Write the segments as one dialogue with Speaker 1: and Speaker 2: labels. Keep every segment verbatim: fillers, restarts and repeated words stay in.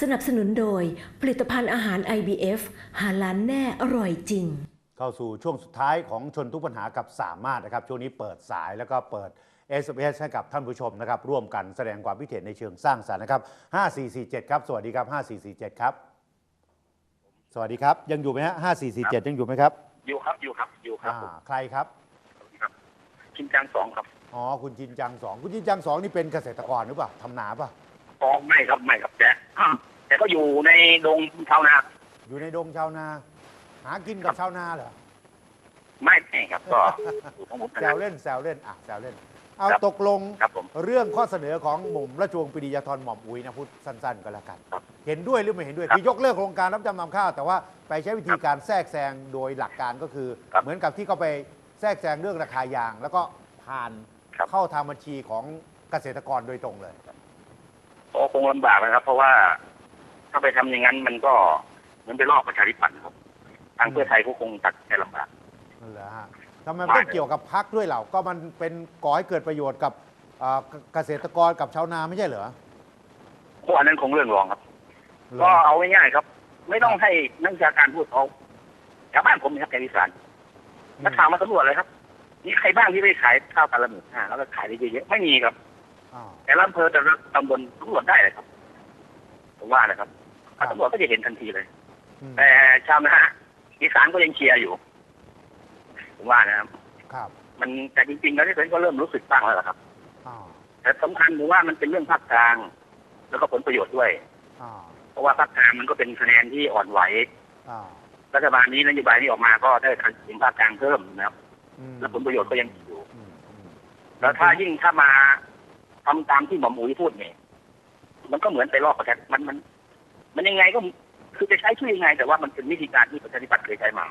Speaker 1: สนับสนุนโดยผลิตภัณฑ์อาหาร ไอ บี เอฟ หาล้านแน่อร่อยจริง
Speaker 2: เข้าสู่ช่วงสุดท้ายของชนทุกปัญหากับสามารถนะครับช่วงนี้เปิดสายแล้วก็เปิด เอส เอ็ม เอส ให้กับท่านผู้ชมนะครับร่วมกันแสดงความคิดเห็นในเชิงสร้างสรรค์นะครับห้า สี่ สี่ เจ็ดครับสวัสดีครับห้า สี่ สี่ เจ็ดครับสวัสดีครับยังอยู่ไหมฮะห้า สี่ สี่ เจ็ดยังอยู่ไหมครับ
Speaker 3: อยู่ครับอยู่ครับอยู่ครับ
Speaker 2: ใครครับ
Speaker 3: ครับชินจังสองครับ
Speaker 2: อ๋อคุณจินจังสองคุณจินจังสองนี่เป็นเกษตรกรหรือเปล่าทำนาป่ะ
Speaker 3: อ๋อไม่ครับไม่ครับแต่แต่ก็อยู่ในดงชาวนา
Speaker 2: อยู่ในดงชาวนาหากินกับชาวนาเหรอ
Speaker 3: ไม่ไม่ครับก็
Speaker 2: แซวเล่นแซวเล่นอ่ะแซวเล่นเอาตกลงเรื่องข้อเสนอของหม่อมราชวงศ์ปรีดียาธรหม่อมอุ๋ยนะพูดสั้นๆก็แล้วกันเห็นด้วยหรือไม่เห็นด้วยคือยกเลิกโครงการรับจำนำข้าวแต่ว่าไปใช้วิธีการแทรกแซงโดยหลักการก็คือเหมือนกับที่เขาไปแทรกแซงเรื่องราคายาง แล้วก็ผ่านเข้าทางบัญชีของเกษตรกรโดยตรงเลย
Speaker 3: ก็คงลำบากนะครับ เพราะว่าถ้าไปทำอย่างนั้นมันก็เหมือนไปลอกประชาธิปัตย์ครับทางเพื่อไทยก็คงตัดแค่ลำบาก
Speaker 2: นั่นแหละฮะทำไมต้องเกี่ยวกับพรรคด้วยเหล่าก็มันเป็นก่อให้เกิดประโยชน์กับเกษตรกรกับชาวนาไม่ใช่เหรอ
Speaker 3: พวกอันนั้นคงเรื่องรองครับก็เอาง่ายๆครับไม่ต้องให้นักวิชาการพูดเขาชาวบ้านผมนะครับแกวิสานนักข่าวมาสำรวจเลยครับนี่ใครบ้างที่ไปขายข้าวกันละหมื่นห้าแล้วก็ขายได้เยอะๆไม่มีครับแต่ละอำเภอแต่ละตำบลสำรวจได้เลยครับผมว่านะครับตำรวจก็จะเห็นทันทีเลยแต่ชาวนาอีสานก็ยังเชียร์อยู่ผมว่านะครับ
Speaker 2: ครับ
Speaker 3: มันแต่จริงๆแล้วที่ผมก็เริ่มรู้สึกบ้างแล้วครับแต่สำคัญผมว่ามันเป็นเรื่องภาคกลางแล้วก็ผลประโยชน์ด้วยเพราะว่าภาคกลางมันก็เป็นคะแนนที่อ่อนไหวรัฐบาลนี้นโยบายที่ออกมาก็ได้ทางสินภาคกลางเพิ่มนะครับและผลประโยชน์ก็ยังอยู่แล้วถ้ายิ่งถ้ามาทำตามที่หม่อมอุ๋ยพูดเนี่ยมันก็เหมือนไปลอกประชามันมันมันยังไงก็คือจะใช้ช่วยยังไงแต่ว่ามันเป็นวิธีการที่ประชาธิปัตย์เคยใช้มา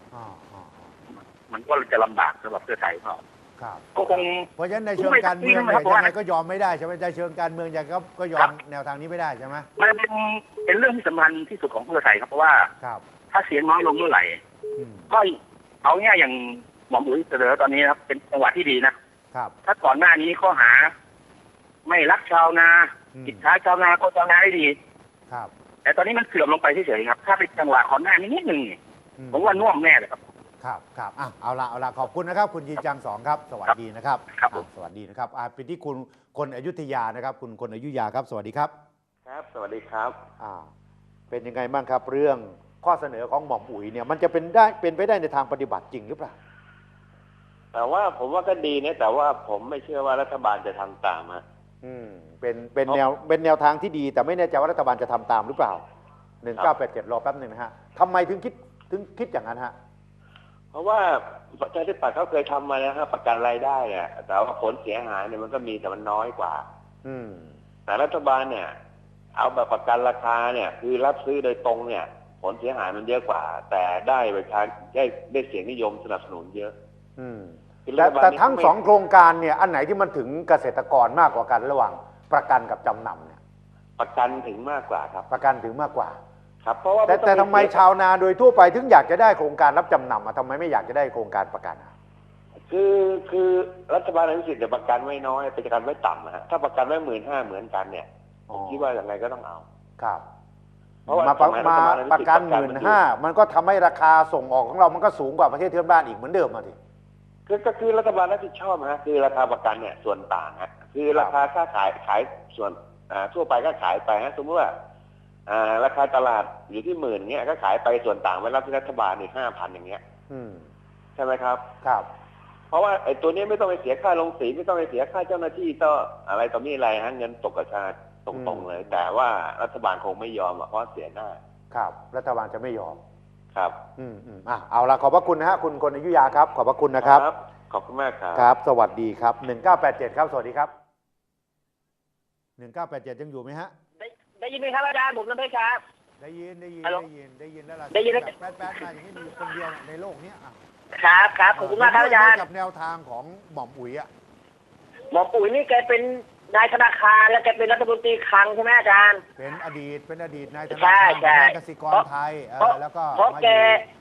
Speaker 3: มันก็จะลำบากสำหรับเพื่อไทยเขาก็คง
Speaker 2: เพราะฉะนั้นในเชิงการเมืองเนี่ยยังไงก็ยอมไม่ได้ใช่ไหมในเชิงการเมืองยังก็ก็ยอมแนวทางนี้ไม่ได้ใช่ไหม
Speaker 3: มันเป็นเป็นเรื่องที่สำคัญที่สุดของเพื่อไทยครับเพราะว่าถ้าเสียงน้อยลงเมื่อไหร่ก็เอาง่ายอย่างหม่อมอุ๋ยเสนอตอนนี้ครับเป็นจังหวะที่ดีนะครับถ้าก่อนหน้านี้ข้อหาไม่รักชาวนากิจท้าชาวนาก็ชาวนาได้ดี
Speaker 2: ครับ
Speaker 3: แต่ตอนนี้มันเสื่อมลงไปเฉยๆครับถ้าเป็นจังหวะก่อนหน้านี้นิดหนึ่งผมว่าน่วมแน่เลยครับ
Speaker 2: ครับครับอ่ะเอาละเอาละขอบคุณนะครับคุณยินจังสองครับสวัสดีนะครับ
Speaker 3: ครับ
Speaker 2: สวัสดีนะครับอ่าเป็นที่คุณคนอยุธยานะครับคุณคนอยุธยาครับสวัสดีครับ
Speaker 4: ครับสวัสดีครับ
Speaker 2: อ่าเป็นยังไงบ้างครับเรื่องข้อเสนอของหม่อมอุ๋ยเนี่ยมันจะเป็นได้เป็นไปได้ในทางปฏิบัติจริงหรือเปล่า
Speaker 4: แต่ว่าผมว่าก็ดีนะแต่ว่าผมไม่เชื่อว่ารัฐบาลจะทำตามฮะ
Speaker 2: อืมเป็นเป็นแนวเป็นแนวทางที่ดีแต่ไม่แน่ใจว่ารัฐบาลจะทำตามหรือเปล่าหนึ่งเก้าแปดเจ็ดรอแป๊บหนึ่งนะฮะทำไมถึงคิดถึงคิดอย่างนั้นฮะ
Speaker 4: เพราะว่าประชาธิปัตย์เขาเคยทำมาแล้วครับประกันรายได้เนี่ยแต่ว่าผลเสียหายเนี่ยมันก็มีแต่มันน้อยกว่า
Speaker 2: อืม
Speaker 4: แต่รัฐบาลเนี่ยเอาแบบประกันราคาเนี่ยคือรับซื้อโดยตรงเนี่ยผลเสียหายมันเยอะกว่าแต่ได้ประชาได้ได้เสียงนิยมสนับสนุนเยอะ
Speaker 2: อืมแต่แต่ทั้งสองโครงการเนี่ยอันไหนที่มันถึงเกษตรกรมากกว่ากันระหว่างประกันกับจำนำเนี่ย
Speaker 4: ประกันถึงมากกว่าครับ
Speaker 2: ประกันถึงมากกว่า
Speaker 4: ครับเพราะว่า
Speaker 2: แต่แต่ทำไมชาวนาโดยทั่วไปถึงอยากจะได้โครงการรับจำนำอ่ะทำไมไม่อยากจะได้โครงการประกัน
Speaker 4: คือคือรัฐบาลอนุสิทธิ์จะประกันไว้น้อยประกันไว้ต่ำนะฮะถ้าประกันไว้หมื่นห้าเหมือนกันเนี่ยผมคิดว่าอย่างไรก็ต้องเอา
Speaker 2: ครับเพราะว่ามาประกันหมื่นห้ามันก็ทำให้ราคาส่งออกของเรามันก็สูงกว่าประเทศเพื่อนบ้านอีกเหมือนเดิมมาที
Speaker 4: คือก็คือรัฐบาลรับผิดชอบฮะคือราคาประกันเนี่ยส่วนต่างฮะคือราคาค่าขายขายส่วนทั่วไปก็ขายไปฮะสมมติว่าราคาตลาดอยู่ที่หมื่นเงี้ยก็ขายไปส่วนต่างไว้รับที่รัฐบาลอีกห้าพันอย่างเงี้ยใช่ไหมครับ
Speaker 2: ครับ
Speaker 4: เพราะว่าไอ้ตัวนี้ไม่ต้องไปเสียค่าลงสีไม่ต้องไปเสียค่าเจ้าหน้าที่ต่ออะไรต่อมีอะไรฮะเงินตกกระชาตรงๆเลยแต่ว่ารัฐบาลคงไม่ยอมเพราะเสียหน้า
Speaker 2: ครับรัฐบาลจะไม่ยอม
Speaker 4: ครับ
Speaker 2: อืมอืมอ่ะเอาละขอบพระคุณนะฮะคุณคนอยุธยาครับขอบพระคุณนะครับ
Speaker 4: ขอบคุณมากครับ
Speaker 2: ครับสวัสดีครับหนึ่งเก้าแปดเจ็ดครับสวัสดีครับหนึ่งเก้าแปดเจ็ดยังอยู่ไหมฮะ
Speaker 3: ได้ได้ยินไหมครับอาจารย์ผมน้ำเพชรครับ
Speaker 2: ได้ยินได้ยินได้ยินได้ยินแล้วล่ะ
Speaker 3: ได้ยินแล้ว
Speaker 2: แป๊ดแป๊ดมาอย่างนี้มีคนเดียวในโลกนี้อ่ะ
Speaker 3: ครับครับขอบคุณมากครับอาจารย์
Speaker 2: กับแนวทางของหม่อมอุ๋ยอ่ะ
Speaker 3: หม่อมอุ๋ยนี่แกเป็นนายธนาคารและแกเป็นรัฐมนตรีคลังใช่ไหมอาจารย์
Speaker 2: เป็นอดีตเป็นอดีตนายธนาคารกสิกรไทยแล้วก็
Speaker 3: เพราะแก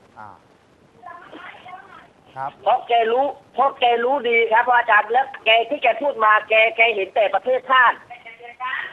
Speaker 2: ครับ
Speaker 3: เพราะแกรู้เพราะแกรู้ดีครับอาจารย์แล้วแกที่แกพูดมาแกแกเห็นแต่ประเทศชาติแ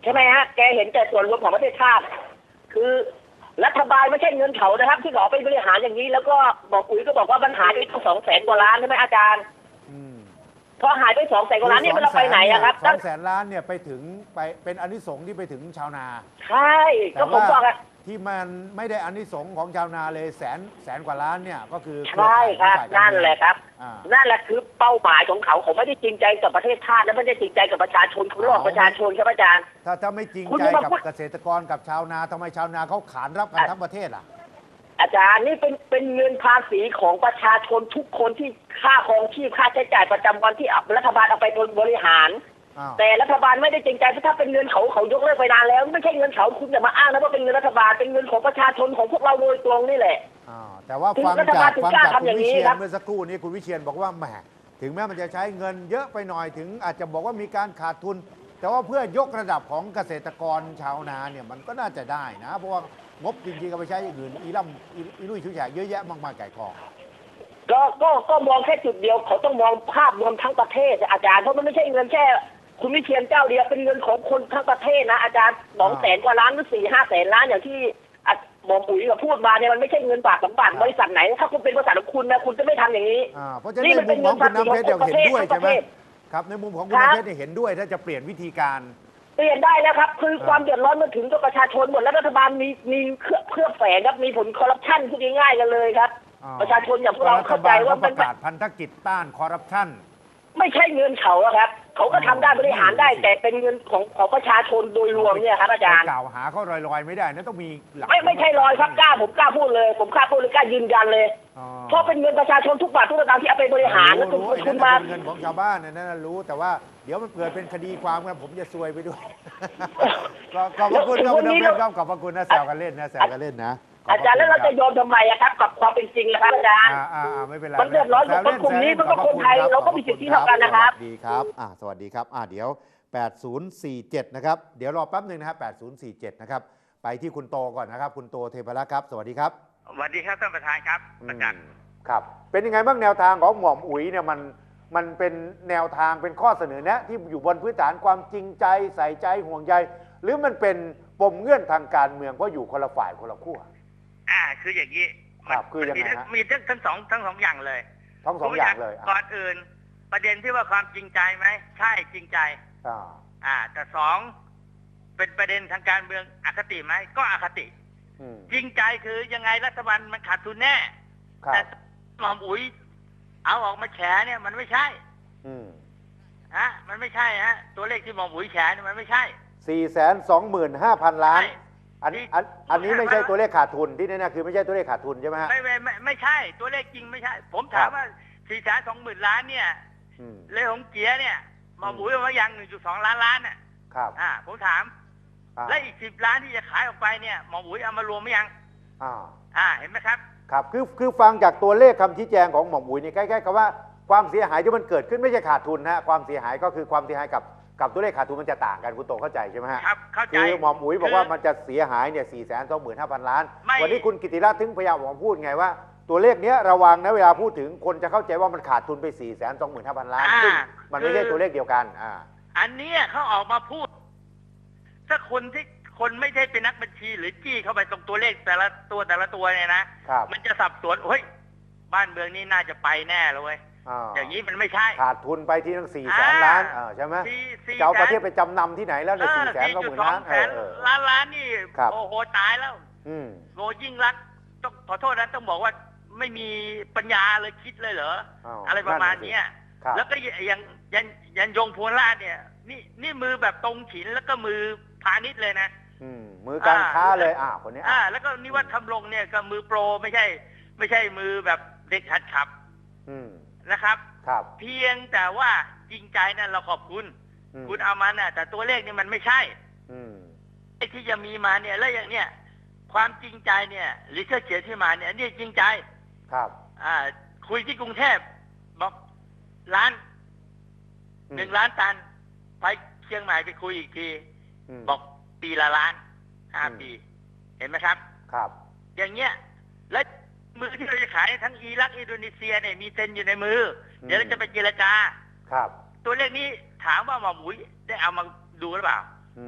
Speaker 5: ช่ไหมฮะแกเห็นแต่ส่วนรวมของประเทศชาติคือรัฐบาลไม่ใช่เงินเขานะครับที่เขาไปบริหารอย่างนี้แล้วก็บอกอุ๋ยก็บอกว่ามันหายไปตั้งสองแสนกว่าล้านใช่ไหมอาจารย์พอหายไปสองแสนกว่าล้านนี่มันเราไปไหนอะครับ
Speaker 2: สองแสนล้านเนี่ยไปถึงไปเป็นอานิสงส์ที่ไปถึงชาวนา
Speaker 5: ใช่ก็ผมบอกอะ
Speaker 2: ที่มันไม่ได้อานิสงส์ของชาวนาเลยแสนแสนกว่าล้านเนี่ยก็คือ
Speaker 5: ใช่ครับนั่นแหละครับนั่นแหละคือเป้าหมายของเขาเขาไม่ได้จริงใจกับประเทศชาติและไม่ได้จริงใจกับประชาชนเขาหลอกประชาชนครับอาจารย์
Speaker 2: ถ้าถ้าไม่จริงใจกับเกษตรกรกับชาวนาทำไมชาวนาเขาขานรับกันทั้งประเทศล่ะ
Speaker 5: อาจารย์นี่เป็นเป็นเงินภาษีของประชาชนทุกคนที่ค่าครองชีพค่าใช้จ่ายประจำวันที่รัฐบาลเอาไปบริหารแต่รัฐบาลไม่ได้จริงใจเพราะถ้าเป็นเงินเขาเขายกเลิกไปนานแล้วไม่ใช่เงินเขาคุณจะมาอ้างนะว่าเป็นเงินรัฐบาลเป็นเงินของประชาชนของพวกเราโดยตรงนี่แหละ
Speaker 2: แต่ว่าฟังจากฟังจากคุณวิเชียรเมื่อสักครู่นี้คุณวิเชียรบอกว่าแหมถึงแม้มันจะใช้เงินเยอะไปหน่อยถึงอาจจะบอกว่ามีการขาดทุนแต่ว่าเพื่อยกระดับของเกษตรกรชาวนาเนี่ยมันก็น่าจะได้นะเพราะว่างบจริงๆก็ไปใช้อย่างอื่นอีล่ำอีลุยชุยแฉกเยอะแยะมากมายไก่กอง
Speaker 5: ก็ก็ก็มองแค่จุดเดียวเขาต้องมองภาพรวมทั้งประเทศอาจารย์เพราะมันไม่ใช่เงินแค่คุณวิเชียรเจ้าเดียวเป็นเงินของคนทั้งประเทศนะอาจารย์สองแสนกว่าล้านหรือสี่ห้าแสนล้านอย่างที่หมอปุ๋ยกับพูดมาเนี่ยมันไม่ใช่เงินฝากสมบัติบริษัทไหนถ้าคุณเป็นบริษัทของคุณนะคุณจะไม่ทำอย่างนี้
Speaker 2: เพราะฉะนั้นในมุมของคุณน้ำเพชรเห็นด้วยใช่ไหมครับในมุมของคุณน้ำเพชรเห็นด้วยถ้าจะเปลี่ยนวิธีการ
Speaker 5: เปลี่ยนได้แล้วครับคือความเดือดร้อนมาถึงกับประชาชนหมดแล้วรัฐบาลมีมีเครือบแฝงครับมีผลคอร์รัปชันพูดง่ายๆกันเลยครับประชาชนอย่างพวกเราเข้าใจว่า
Speaker 2: เป็นประกาศพันธกิจต้านคอร์รัปชัน
Speaker 5: ไม่ใช่เงินเขาครับเขาก็ทำได้บริหารได้แต่เป็นเงินของของประชาชนโดยรวมเนี่ยครับอาจารย์
Speaker 2: กล่าวหาเขาลอยๆไม่ได้นะต้องมีหลัก
Speaker 5: ไม่ไม่ใช่ลอยครับกล้าผมกล้าพูดเลยผมกล้าพูดเลยกล้ายืนยันเลยเพราะเป็นเงินประชาชนทุกบาททุกสตางค์ที่เอาไปบริหารแล้วคุณคุณมา
Speaker 2: เงินของชาวบ้านนั่นรู้แต่ว่าเดี๋ยวมันเกิดเป็นคดีความกันผมจะซวยไปด้วยก็ขอบคุณครับคุณน้ำเพชรครับขอบคุณนะแซวกันเล่นนะแซวกันเล่นนะ
Speaker 5: อาจารย์แล้วเราจะยอมทำไมครับกับความเป็นจริงนะครับอาจารย์
Speaker 2: อ่าไม่เป็นไร
Speaker 5: มันเดือดร้อนของคนกลุ่มนี้มันก็คนไทยเราก็มีสิทธิเท่ากันนะครับ
Speaker 2: ดีครับอ่าสวัสดีครับอ่าเดี๋ยวแปดศูนย์สี่เจ็ดนะครับเดี๋ยวรอแป๊บหนึ่งนะครับแปดศูนย์สี่เจ็ดนะครับไปที่คุณโตก่อนนะครับคุณโตเทพรักษ์ครับสวัสดีครับ
Speaker 6: สวัสดีครับท่านประธานครับอาจารย์
Speaker 2: ครับเป็นยังไงบ้างแนวทางของหม่อมอุ๋ยเนี่ยมันมันเป็นแนวทางเป็นข้อเสนอแนะที่อยู่บนพื้นฐานความจริงใจใส่ใจห่วงใยหรือมันเป็นปมเงื่อนทางการเมืองเพราะอยู่คนละฝ่ายคนละขั้ว
Speaker 6: อ่าคืออย่างนี้
Speaker 2: ครับคือยังไงฮะ
Speaker 6: มีทั้งทั้งสองทั้งสองอย่างเลย
Speaker 2: ทั้งสองอย่างเลย
Speaker 6: ก่อนอื่นประเด็นที่ว่าความจริงใจไหมใช่จริงใจ
Speaker 2: อ่า
Speaker 6: อ่าแต่สองเป็นประเด็นทางการเมืองอคติไหมก็อคติจริงใจคือยังไงรัฐบาลมันขาดทุนแน่แต่หม่อมอุ๋ยเอาออกมาแฉเนี่ยมันไม่ใช่ฮะมันไม่ใช่ฮะตัวเลขที่หม่อมอุ๋ยแฉเนี่ยมันไม่ใช่
Speaker 2: สี่แสนสองหมื่นห้าพันล้านอันอันอันนี้ไม่ใช่ตัวเลขขาดทุนที่แน่ๆคือไม่ใช่ตัวเลขขาดทุนใช่ไหมฮะ
Speaker 6: ไม่ไม่ไม่ไม่ใช่ตัวเลขจริงไม่ใช่ผมถามว่าสี่แสนสองหมื่นล้านเนี่ยเลขของเกียร์เนี่ยหม่อมอุ๋ยว่ายังหนึ่งจุดสองล้านล้านน่ะ
Speaker 2: ครับ
Speaker 6: อ่าผมถามและอีกสิบล้านที่จะขายออกไปเนี่ยหม่อมอุ๋ยเอามารวมไหมยัง
Speaker 2: อ่า
Speaker 6: อ่าเห็นไหมครับ
Speaker 2: ครับคือคือฟังจากตัวเลขคำชี้แจงของหม่อมอุ๋ยนี่ใกล้ๆกับว่าความเสียหายที่มันเกิดขึ้นไม่ใช่ขาดทุนฮะความเสียหายก็คือความเสียหายกับกับตัวเลขขาดทุนมันจะต่างกันคุณโตเข้าใจใช่ไหมฮะ
Speaker 6: ครับเข้าใจ
Speaker 2: คือหม่อมอุ๋ยบอกว่ามันจะเสียหายเนี่ยสี่แสนสองหมื่นห้าพันล้านวันนี้คุณกิติรัตน์ถึงพยายามบอกพูดไงว่าตัวเลขเนี้ยระวังนะเวลาพูดถึงคนจะเข้าใจว่ามันขาดทุนไปสี่แสนสองหมื่นห้าพันล้านซึ่งมันไม่ใช่ตัวเลขเดียวกันอ่า
Speaker 6: อันนี้เขาออกมาพูดถ้าคนที่คนไม่ได้เป็นนักบัญชีหรือจี้เข้าไปตรงตัวเลขแต่ละตัวแต่ละตัวเนี่ยนะมันจะสับสนเฮ้ยบ้านเมืองนี้น่าจะไปแน่เลยเว้ยอย่างนี้มันไม่ใช่
Speaker 2: ขาดทุนไปที่ทั้งสี่แสนล้านใช่ไหมจะเอาประเทศไปจำนำที่ไหนแล้วในสี่แสนสองหมื่นล้าน
Speaker 6: ล้านล้านนี่โอ้โหตายแล้วโง่ยิ่งรักต้องขอโทษนะต้องบอกว่าไม่มีปัญญาเลยคิดเลยเหรออะไรประมาณนี้แล้วก็ยังยันยันยงพลราชเนี่ยนี่นี่มือแบบตรงฉินแล้วก็มือพาณิชย์เลยนะ
Speaker 2: มือการค้าเลยอ่าคนนี้
Speaker 6: อ่าแล้วก็นิวัฒน์ทำรงเนี่ยก็มือโปรไม่ใช่ไม่ใช่มือแบบเด็กหัดขับนะครับ
Speaker 2: ครับ
Speaker 6: เพียงแต่ว่าจริงใจนั่นเราขอบคุณคุณเอามาน่ะแต่ตัวเลขนี่มันไม่ใช่ไอ้ที่จะมีมาเนี่ยแล้วอย่างเนี้ยความจริงใจเนี่ยหรือเชื่อเขียนที่มาเนี่ยนี่จริงใจ
Speaker 2: ครับ
Speaker 6: อ่าคุยที่กรุงเทพบอกล้านหนึ่งล้านตันไปเชียงใหม่ไปคุยอีกทีบอกปีละล้านห้าปีเห็นไหมครับ
Speaker 2: ครับ
Speaker 6: อย่างเงี้ยและมือที่เราจะขายทั้งอิรักอินโดนีเซียเนี่ยมีเซ็นอยู่ในมือเดี๋ยวเราจะไปเจรจา
Speaker 2: ครับ
Speaker 6: ตัวเลขนี้ถามว่าหม่อมอุ๋ยได้เอามาดูหรือเปล่า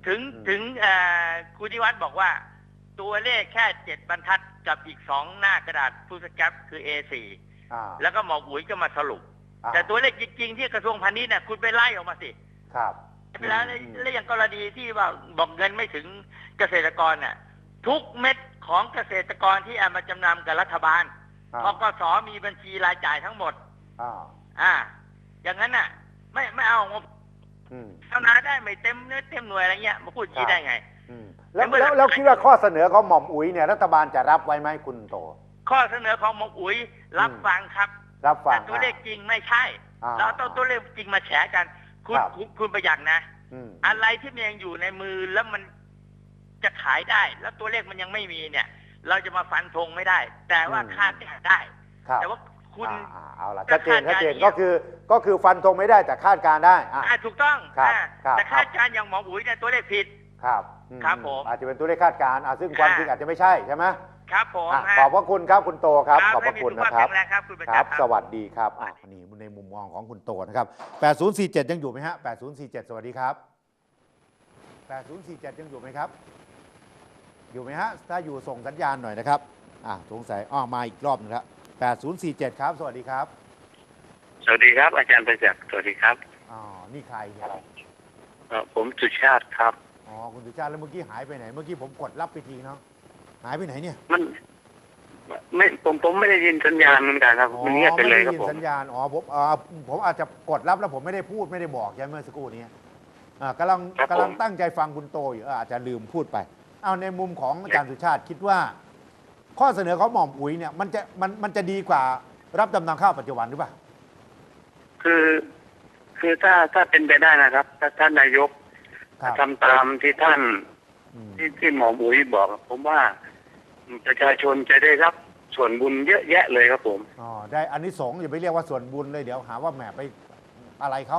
Speaker 6: ถึงถึงคุณนิวัฒน์บอกว่าตัวเลขแค่เจ็ดบรรทัดกับอีกสองหน้ากระดาษฟูสแกรปคือ เอ สี่ แล้วก็หมออุ๋ยก็มาสรุปแต่ตัวเลขจริงๆที่กระทรวงพาณิชย์เนี่ยคุณไปไล่ออกมาสิ
Speaker 2: ครับ
Speaker 6: เวลาแล้วอย่างกรณีที่ว่าบอกเงินไม่ถึงเกษตรกรน่ะทุกเม็ดของเกษตรกรที่เอามาจำนำกับรัฐบาลธกส.มีบัญชีรายจ่ายทั้งหมดอ่าอย่างนั้นน่ะไม่ไม่เอางบชาวนาได้ไม่เต็มเนื้อเต็มหน่วยอะไรเงี้ยมาพูดชี้ได้ไง
Speaker 2: แล้วแล้วแล้วคิดว่าข้อเสนอของหม่อมอุ๋ยเนี่ยรัฐบาลจะรับไว้ไหมคุณโต
Speaker 6: ข้อเสนอของหม่อมอุ๋ยรับฟังครับ
Speaker 2: รับฟัง
Speaker 6: แต่ตัวเลขจริงไม่ใช่เราต้องตัวเลขจริงมาแฉกันคุณคุณประหยัดนะอะไรที่มันยังอยู่ในมือแล้วมันจะขายได้แล้วตัวเลขมันยังไม่มีเนี่ยเราจะมาฟันธงไม่ได้แต่ว่าคาดการณ์ได้แต่ว่าคุณ
Speaker 2: เอาล่ะชัดเจนชัดเจนก็คือก็คือฟันธงไม่ได้แต่คาดการณ์ได้
Speaker 6: อ่าถูกต้องแต่คาดการณ์อย่างหมออุ๋ยเนี่ยตัวเลขผิด
Speaker 2: ครับ
Speaker 6: ครับผม
Speaker 2: อาจจะเป็นตัวเลขคาดการณ์ซึ่งความจริงอาจจะไม่ใช่ใช่ไหม
Speaker 6: ครับผม
Speaker 2: ขอบพระคุณครับคุณโตครับขอบพระคุณนะครับ
Speaker 6: ครับ
Speaker 2: สวัสดีครับอ่ะนี่ในมุมมองของคุณโตนะครับแปดศูนย์สี่เจ็ดยังอยู่ไหมฮะแปดศูนย์สี่เจ็ดสวัสดีครับแปดศูนย์สี่เจ็ดยังอยู่ไหมครับอยู่ไหมฮะถ้าอยู่ส่งสัญญาณหน่อยนะครับอ่ะสงสัยอ้อมาอีกรอบนึงครับแปดศูนย์สี่เจ็ดครับสวัสดีครับ
Speaker 3: สวัสดีครับอาจารย์ประจักษ์สวัสดีครับ
Speaker 2: อ๋อนี่ใครเนี่ย
Speaker 3: ผมสุชาติครับ
Speaker 2: อ๋อคุณสุชาติแล้วเมื่อกี้หายไปไหนเมื่อกี้ผมกดรับไปทีเนาะหายไปไหนเนี่ย
Speaker 3: มันไม่ผมผมไม่ได้ยินสัญญาณเหมือนกันครับมันเงียบไปเลยครับผม
Speaker 2: สัญญาณอ๋อผมอ๋อผมอาจจะกดรับแล้วผมไม่ได้พูดไม่ได้บอกใช่ไหมเมื่อสักครู่นี้อ่ากำลังกำลังตั้งใจฟังคุณโตอยู่อาจจะลืมพูดไปเอาในมุมของอาจารย์สุชาติคิดว่าข้อเสนอของหม่อมอุ๋ยเนี่ยมันจะมันมันจะดีกว่ารับจำนำข้าวปัจจุบันหรือเปล่า
Speaker 3: คือคือถ้าถ้าเป็นไปได้นะครับถ้าท่านนายกทำตามที่ท่านที่ที่หมออุ๋ยบอกผมว่าประชาชนจะได้รับส่วนบุญเยอะแยะเลยครับผม
Speaker 2: อ๋อได้อานิสงส์อย่าไปเรียกว่าส่วนบุญเลยเดี๋ยวหาว่าแหมไปอะไรเขา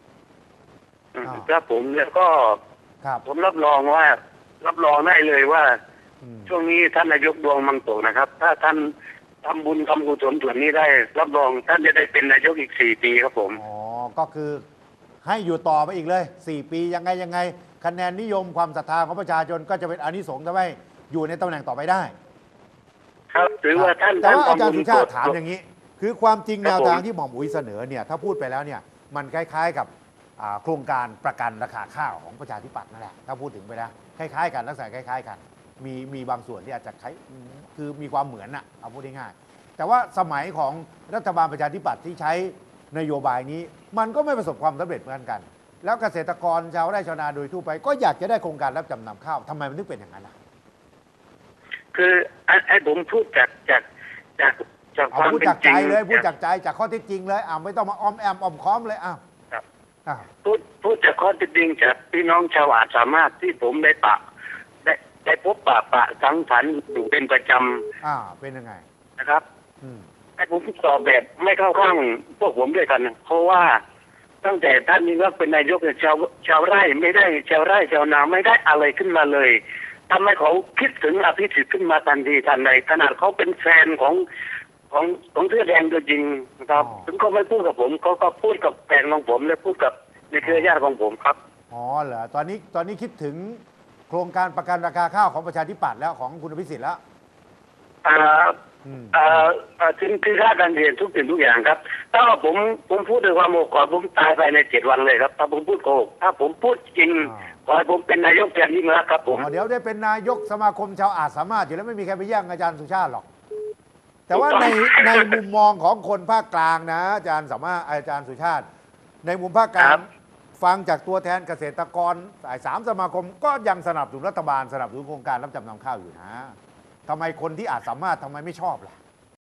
Speaker 3: ครับผมแล้วก็ผมรับรองว่ารับรองได้เลยว่าช่วงนี้ท่านนายกดวงมังโตนะครับ ถ้าท่านทำบุญทำกุศลส่วนนี้ได้รับรองท่านจะได้เป็นนายกอีกสี่ปีครับผม
Speaker 2: อ๋อก็คือให้อยู่ต่อไปอีกเลยสี่ปียังไงยังไงคะแนนนิยมความศรัทธาของประชาชนก็จะเป็นอานิสงส์ทำให้อยู่ในตำแหน่งต่อไปได้
Speaker 3: ครับถือว่าท่าน
Speaker 2: แต่ว่าอาจารย์สุชาติถามอย่างนี้คือความจริงแนวทางที่หม่อมอุ๋ยเสนอเนี่ยถ้าพูดไปแล้วเนี่ยมันคล้ายๆกับโครงการประกันราคาข้าวของประชาธิปัตย์นั่นแหละถ้าพูดถึงไปแล้วคล้ายๆกันลักษณะคล้ายๆกันมีมีบางส่วนที่อาจจะคล้ายคือมีความเหมือนน่ะเอาพูดง่ายๆแต่ว่าสมัยของรัฐบาลประชาธิปัตย์ที่ใช้นโยบายนี้มันก็ไม่ประสบความสำเร็จเหมือนกันแล้วเกษตรกรชาวไร่ชาวนาโดยทั่วไปก็อยากจะได้โครงการรับจำนำข้าวทำไมมันถึงเป็นอย่างนั้นล่ะ
Speaker 3: คือไอ้ผมพูดจากจากจากจากความ
Speaker 2: เป็นจริงเลยพูดจากใจจากข้อเท็จจริงเลยอ่าไม่ต้องมาอ้อมแอมอ้อมค้อมเลยอ้าว
Speaker 3: พูดพูดจากข้อเท็จจริงจากพี่น้องชาวอาสามารถที่ผมได้ปะได้ได้พบปะปะสังสรรค์อยู่เป็นประจ
Speaker 2: ำอ่าเป็นยังไง
Speaker 3: นะครับไอ้ผมตอบแบบไม่เข้าข้างพวกผมด้วยกันเพราะว่าตั้งแต่ท่านนี้ว่าเป็นนายกชาวชาวไร่ไม่ได้ชาวไร่ชาวนาไม่ได้อะไรขึ้นมาเลยทำให้เขาคิดถึงอภิสิทธิ์ขึ้นมาทันทีทันใดขนาดเขาเป็นแฟนของของของเสื้อแดงตัวจริงนะครับถึงเขาไม่พูดกับผมเขาก็พูดกับแฟนของผมและพูดกับในเครือญาติของผมครับ
Speaker 2: อ๋อเหรอตอนนี้ตอนนี้คิดถึงโครงการประกันราคาข้าวของประชาธิปัตย์แล้วของคุณอภิสิทธิ์แล้ว
Speaker 3: อ่าอ่าถึงคือค่าการเรียนทุกสิ่งทุกอย่างครับถ้าผมผมพูดด้วยความโมโหผมตายไปในเจ็ดวันเลยครับถ้าผมพูดโกหกถ้าผมพูดจริงขอให้ผมเป็นนายกแทนยิ่งรักครับผม
Speaker 2: เดี๋ยวได้เป็นนายกสมาคมชาวอาสามารถอยู่แล้วไม่มีใครไปแย่งอาจารย์สุชาติหรอกแต่ว่าในในมุมมองของคนภาคกลางนะอาจารย์สามารถอาจารย์สุชาติในมุมภาคกลางฟังจากตัวแทนเกษตรกรสายสามสมาคมก็ยังสนับสนุนรัฐบาลสนับสนุนโครงการรับจำนำข้าวอยู่นะทำไมคนที่อาจสามารถทำไมไม่ชอบล่ะ